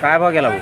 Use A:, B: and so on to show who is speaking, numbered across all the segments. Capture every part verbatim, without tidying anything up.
A: काय भाव गेला भाऊ?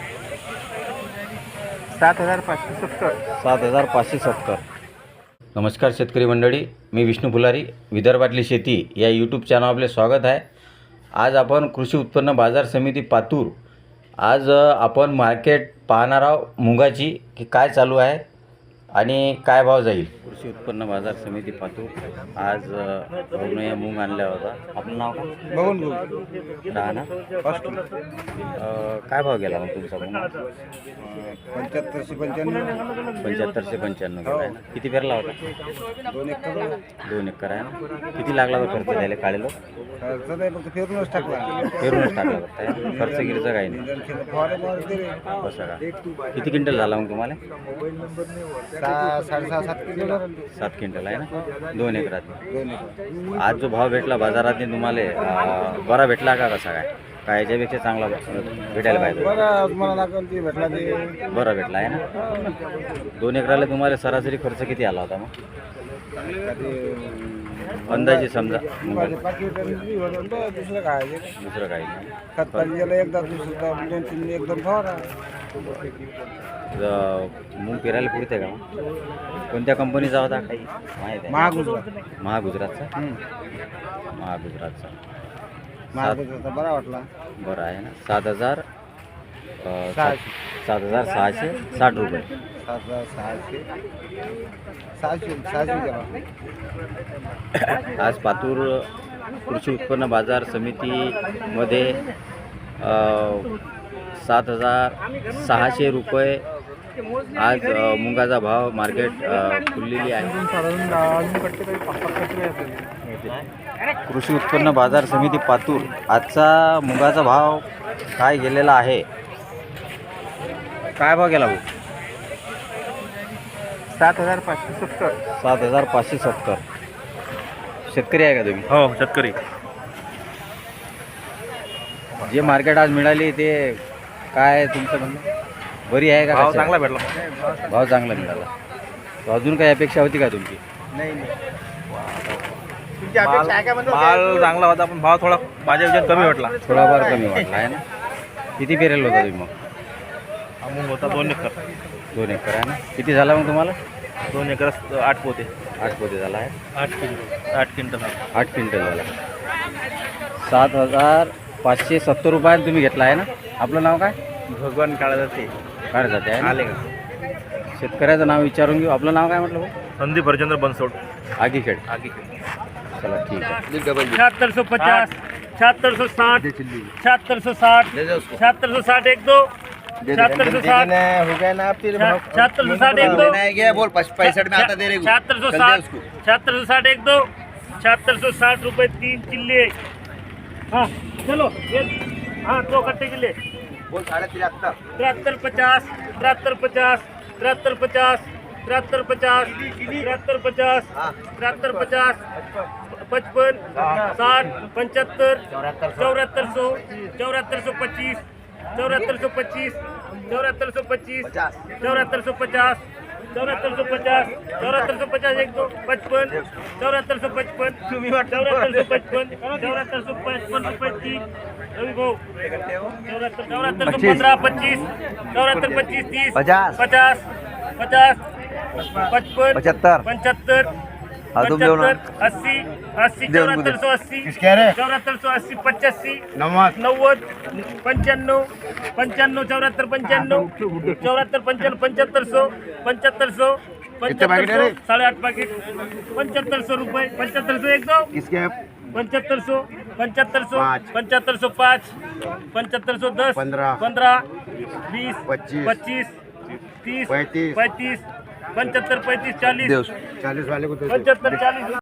B: सात हजार पाचशे सत्तर.
A: सात हजार पाचशे सत्तर. नमस्कार शेतकरी मंडळी, मी विष्णू फुलारी, विदर्भातली शेती या यूट्यूब चॅनल आपले स्वागत आहे. आज आपण कृषी उत्पन्न बाजार समिती पातूर, आज आपण मार्केट पाहणार आहोत मुगाची की काय चालू आहे आणि काय भाव जाईल. कृषी उत्पन्न बाजार समिती पातूर आज भाऊनं या मूग आणल्या होता. आपलं नाव काय?
B: बघून घेऊ.
A: राहणार काय भाव गेला मग तुमचा मूग?
B: पंच्याहत्तरशे पंच्याण्णव.
A: पंच्याहत्तरशे पंच्याण्णव गेला आहे ना. किती पेरला होता?
B: दोन एकर.
A: दोन एकर आहे ना. किती लागला होता खर्च द्यायला काढेलो?
B: खर्च नाही, फक्त फिरूनच टाकला.
A: पेरूनच टाकला होता आहे ना. खर्च गिरचं काही नाही. कसं का? किती क्विंटल झाला मग तुम्हाला?
B: सहा साडेसहा सात किलो.
A: सात क्विंटल आहे ना. दोन एकरात.
B: दोन एकर.
A: आज जो भाव भेटला बाजारात तुम्हाला अं, बरा भेटला का कसा काय? काय याच्यापेक्षा चांगला भेटायला पाहिजे?
B: बरं तुम्हाला लागेल ती भेटला ते
A: बरा भेटला आहे ना. दोन एकराला तुम्हाला सरासरी खर्च किती आला होता मग अंदाजे समजा?
B: दुसरं काय
A: दुसरं काही नाही.
B: खत पाहिजे एकदा दुसरं दोन तीन एक दोन फवारा.
A: मूग पेरायला पुरते का मग? कोणत्या कंपनीचा होता काही माहीत आहे?
B: महागुजरात.
A: महागुजरातचा. महागुजरातचा
B: महागुजरातचा बरा वाटला.
A: बरं आहे ना. सात हजार अं, सात
B: सहाशे.
A: सात हजार सहाशे साठ रुपये.
B: सात हजार सहाशे सहाशे सहाशे गेला.
A: आज पातूर कृषी उत्पन्न बाजार समितीमध्ये अं, सात हजार सहाशे रुपये आज अं, मुगाचा भाव मार्केट अं, खुललेली आहे. कृषी उत्पन्न बाजार समिती पातूर आजचा मुगाचा भाव काय गेलेला आहे? काय भाव गेला भाऊ?
B: सात हजार पाचशे सत्तर.
A: सात हजार पाचशे सत्तर. शेतकरी आहे का तुम्ही?
C: हो, शेतकरी.
A: जे मार्केट आज मिळाली ते काय तुमचं म्हणणं? बरी आहे का?
C: भाव
A: कशी
C: चांगला
A: आहे?
C: भेटला.
A: भाव चांगला मिळाला. तर अजून काही अपेक्षा होती का तुमची?
B: नाही
C: माल माल चांगला होता, पण भाव थोडा माझ्या विचार कमी भेटला.
A: थोडाफार कमी वाटला आहे ना. किती पेरेल होता तुम्ही मग?
C: हा मूग होता दोन एकर.
A: दोन एकर आहे ना. किती झाला मग तुम्हाला?
C: दोन एकर आठ पोते.
A: आठ पोते झाला आहे.
C: आठ क्विंटल आठ क्विंटल
A: आठ क्विंटल झाला. सात हजार पाचशे सत्तर रुपयाने तुम्ही घेतला आहे ना. आपलं नाव काय?
C: भगवान काढा जाते.
A: काय जाते आहे
C: आले
A: ना.
C: का?
A: शेतकऱ्याचं नाव विचारून घेऊ. आपलं नाव काय म्हटलं भाऊ?
C: संदीप हरचंद्र बनसोड.
A: आगीखेड.
C: आगे
A: चला ठीक आहे.
D: छिहत्तर सौ पचास, छिहत्तर सौ साठ, छिहत्तर सौ साठ, छिहत्तर सौ साठ एक दो, छिहत्तर सौ साठ,
B: हो गया ना. आप तेरे
D: छिहत्तर सौ साठ एक दो,
B: गया बोल पैंसठ में आता दे रहे हो.
D: छिहत्तर सौ साठ, छिहत्तर सौ साठ एक दो, छिहत्तर सौ साठ रुपये तीन चिल्ले. हाँ चलो ये हाँ दो कट्टे के लिए
B: बोल साढ़े तिहत्तर.
D: तिहत्तर पचास, तिहत्तर पचास, तिहत्तर पचास, तिहत्तर पचास, तिहत्तर पचास, तिहत्तर पचास, पचपन, साठ, पंचहत्तर, चौहत्तर सौ, चौहत्तर सौ पच्चीस, चौहत्तर सौ पच्चीस, चौहत्तर सौ पच्चीस, चौहत्तर सौ पचास, चौहत्तर सौ पचास, चौहत्तर सौ पचास एक दो पचपन, चौहत्तर सौ पचपन, चौहत्तर सौ पचपन, चौहत्तर सौ पचपन रुपये तीन. रवि भाऊ चौहत्तर चौहत्तर सौ पंद्रह पच्चीस, चौहत्तर पच्चीस तीस,
B: पचास.
D: पचास पचास पचपन
B: पचहत्तर.
D: पंचहत्तर पंचहत्तर अस्सी अस्सी चौहत्तर सौ अस्सी चौहत्तर सौ अस्सी पचासी
B: नमक
D: नव्वद पंच्याण्णव पंच्याण्णव चौहत्तर पंच्याण्णव चौहत्तर पंच्याण्णव पंच्याहत्तर सौ पंच्याहत्तर सौ पंच्याहत्तर सौ साढ़े आठ पाकिट पंच्याहत्तर सौ रुपये पंच्याहत्तर सौ एक दो
B: किसके
D: पंच्याहत्तर सौ पंच्याहत्तर सौ
B: पाँच.
D: पंच्याहत्तर सौ पाँच पंच्याहत्तर सौ दस
B: पंद्रह.
D: पंद्रह बीस
B: पच्चीस.
D: पच्चीस तीस
B: पैंतीस.
D: पैंतीस पंचहत्तर पैंतीस चालीस
B: चालीस वाले को
D: पंचहत्तर चालीस